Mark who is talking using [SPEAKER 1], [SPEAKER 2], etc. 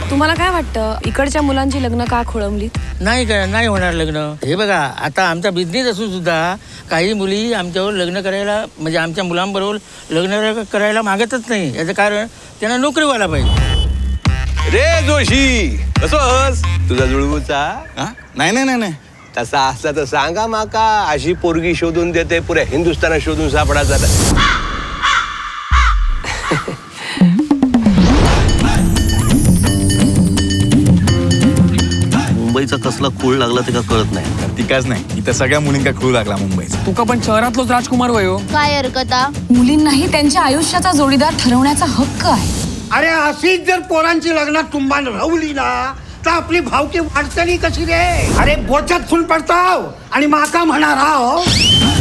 [SPEAKER 1] तुम्हाला काय वाटतं इकडच्या मुलांची लग्न का खोळंबलीत?
[SPEAKER 2] नाही होणार लग्न. हे बघा, आता आमचा बिझनेस असून सुद्धा काही मुली आमच्यावर लग्न करायला, म्हणजे आमच्या मुलांबरोबर लग्न करायला मागतच नाही. याचं कारण त्यांना नोकरी व्हायला पाहिजे.
[SPEAKER 3] रे जोशी, कसोस तुझा जुळवूचा?
[SPEAKER 4] नाही
[SPEAKER 3] तसा असला तर सांगा माका. अशी पोरगी शोधून देते, पुऱ्या हिंदुस्थानात शोधून सापडायचा.
[SPEAKER 5] मुंबईचा कसला खूळ लागला ते का कळत नाही.
[SPEAKER 4] तिकाच नाही, इथं सगळ्या मुलींका खूळ लागला मुंबईचा.
[SPEAKER 6] तुका पण शहरातलोच राजकुमार वयो.
[SPEAKER 7] काय हरकता?
[SPEAKER 1] मुलींनाही त्यांच्या आयुष्याचा जोडीदार ठरवण्याचा हक्क आहे.
[SPEAKER 8] अरे अशीच जर पोरांची लग्नात तुंबान राहुली ना तर आपली भावकी वाटतली कशी रे? अरे बोचात फुल पडताव आणि माका म्हणा राव.